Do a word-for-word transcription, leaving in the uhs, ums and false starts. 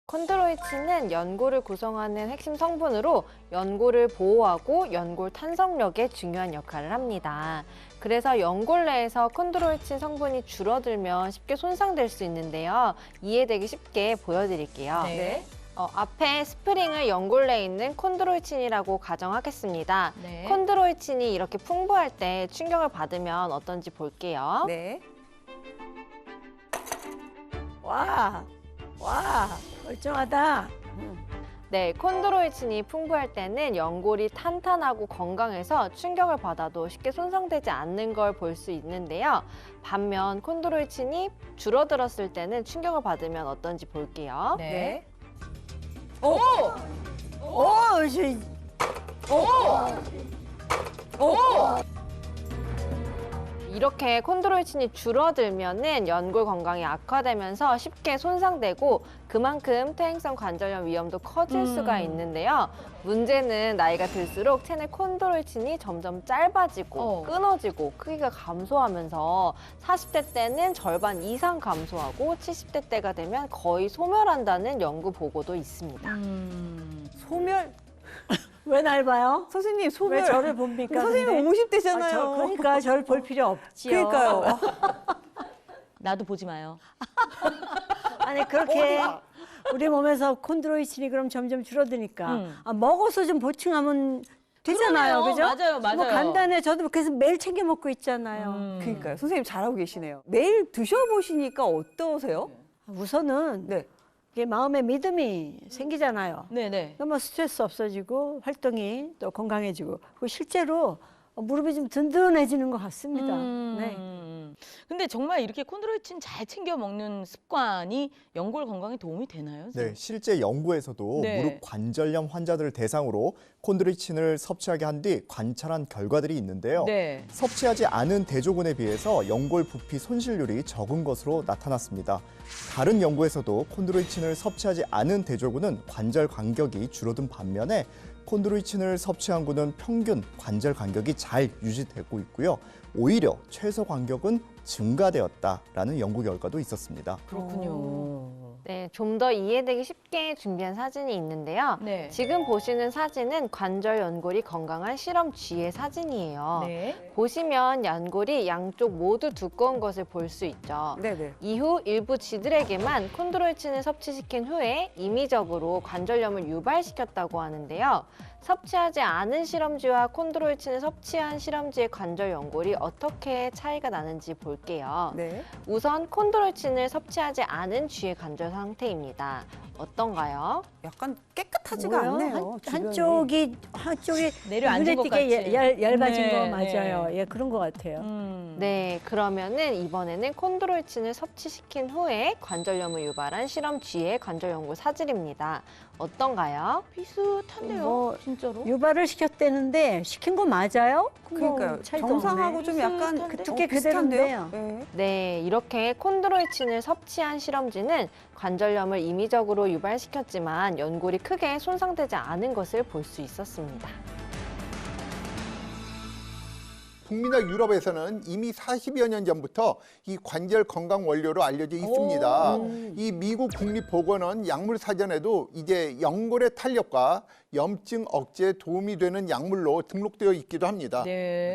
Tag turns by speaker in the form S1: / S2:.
S1: 콘드로이친은 연골을 구성하는 핵심 성분으로 연골을 보호하고 연골 탄성력에 중요한 역할을 합니다. 그래서 연골 내에서 콘드로이친 성분이 줄어들면 쉽게 손상될 수 있는데요. 이해되기 쉽게 보여드릴게요.
S2: 네.
S1: 어, 앞에 스프링을 연골 내에 있는 콘드로이친이라고 가정하겠습니다.
S2: 네.
S1: 콘드로이친이 이렇게 풍부할 때 충격을 받으면 어떤지 볼게요.
S2: 네.
S3: 와, 와, 멀쩡하다.
S1: 네, 콘드로이친이 풍부할 때는 연골이 탄탄하고 건강해서 충격을 받아도 쉽게 손상되지 않는 걸 볼 수 있는데요. 반면 콘드로이친이 줄어들었을 때는 충격을 받으면 어떤지 볼게요.
S2: 네.
S3: 오, 오, 저,
S1: 이렇게 콘드로이친이 줄어들면은 연골 건강이 악화되면서 쉽게 손상되고 그만큼 퇴행성 관절염 위험도 커질
S2: 음.
S1: 수가 있는데요. 문제는 나이가 들수록 체내 콘드로이친이 점점 짧아지고
S2: 어.
S1: 끊어지고 크기가 감소하면서 사십 대 때는 절반 이상 감소하고 칠십 대 때가 되면 거의 소멸한다는 연구 보고도 있습니다.
S2: 음.
S4: 소멸.
S3: 왜 날 봐요?
S4: 선생님 소멸.
S3: 왜 저를 봅니까?
S4: 선생님
S3: 근데?
S4: 오십 대잖아요.
S3: 아, 저, 그러니까 저를 볼 필요 없지요.
S4: 그러니까요.
S2: 나도 보지 마요.
S3: 아니 그렇게 우리 몸에서 콘드로이친이 그럼 점점 줄어드니까
S2: 음.
S3: 아, 먹어서 좀 보충하면 되잖아요,
S2: 그러네요.
S3: 그죠?
S2: 맞아요, 맞아요.
S3: 뭐 간단해. 저도 그래서 매일 챙겨 먹고 있잖아요.
S2: 음.
S4: 그러니까요. 선생님 잘하고 계시네요. 매일 드셔보시니까 어떠세요?
S3: 우선은
S4: 네.
S3: 이게 마음의 믿음이 생기잖아요.
S2: 네네.
S3: 그러면 스트레스 없어지고 활동이 또 건강해지고 그리고 실제로 무릎이 좀 든든해지는 것 같습니다.
S2: 음.
S3: 네.
S2: 근데 정말 이렇게 콘드로이친 잘 챙겨 먹는 습관이 연골 건강에 도움이 되나요?
S5: 네,
S2: 선생님?
S5: 실제 연구에서도
S2: 네.
S5: 무릎 관절염 환자들을 대상으로 콘드로이친을 섭취하게 한 뒤 관찰한 결과들이 있는데요.
S2: 네.
S5: 섭취하지 않은 대조군에 비해서 연골 부피 손실률이 적은 것으로 나타났습니다. 다른 연구에서도 콘드로이친을 섭취하지 않은 대조군은 관절 간격이 줄어든 반면에 콘드로이친을 섭취한 군은 평균 관절 간격이 잘 유지되고 있고요. 오히려 최소 간격은 증가되었다라는 연구 결과도 있었습니다.
S2: 그렇군요.
S1: 네, 좀 더 이해되기 쉽게 준비한 사진이 있는데요.
S2: 네.
S1: 지금 보시는 사진은 관절 연골이 건강한 실험 쥐의 사진이에요.
S2: 네.
S1: 보시면 연골이 양쪽 모두 두꺼운 것을 볼 수 있죠.
S4: 네네.
S1: 이후 일부 쥐들에게만 콘드로이친을 섭취시킨 후에 임의적으로 관절염을 유발시켰다고 하는데요. 섭취하지 않은 실험쥐와 콘드로이친을 섭취한 실험쥐의 관절 연골이 어떻게 차이가 나는지 볼게요.
S4: 네.
S1: 우선 콘드로이친을 섭취하지 않은 쥐의 관절 상태입니다. 어떤가요?
S4: 약간 깨끗하지가
S3: 뭐요?
S4: 않네요.
S3: 한,
S4: 주변이.
S3: 한쪽이 한쪽이
S2: 내려앉은
S3: 눈에
S2: 것
S3: 띄게
S2: 같이.
S3: 얇, 얇아진
S2: 네,
S3: 거
S2: 네.
S3: 맞아요. 예, 그런 것 같아요.
S2: 음.
S1: 네, 그러면은 이번에는 콘드로이친을 섭취시킨 후에 관절염을 유발한 실험 쥐의 관절 연골 사진입니다. 어떤가요?
S2: 비슷한데요?
S3: 뭐,
S2: 진짜로?
S3: 유발을 시켰대는데 시킨 거 맞아요? 뭐
S4: 그러니까요.
S3: 차이도
S4: 정상하고
S3: 없네.
S4: 좀 약간
S2: 비슷한데?
S4: 그
S3: 두께
S4: 비슷한데요?
S3: 그대로인데요.
S4: 네.
S1: 네, 이렇게 콘드로이친을 섭취한 실험쥐는 관절염을 임의적으로 유발시켰지만 연골이 크게 손상되지 않은 것을 볼 수 있었습니다.
S6: 북미나 유럽에서는 이미 사십여 년 전부터 이 관절 건강 원료로 알려져 있습니다. 이 미국 국립보건원 약물사전에도 이제 연골의 탄력과 염증 억제에 도움이 되는 약물로 등록되어 있기도 합니다.
S2: 네.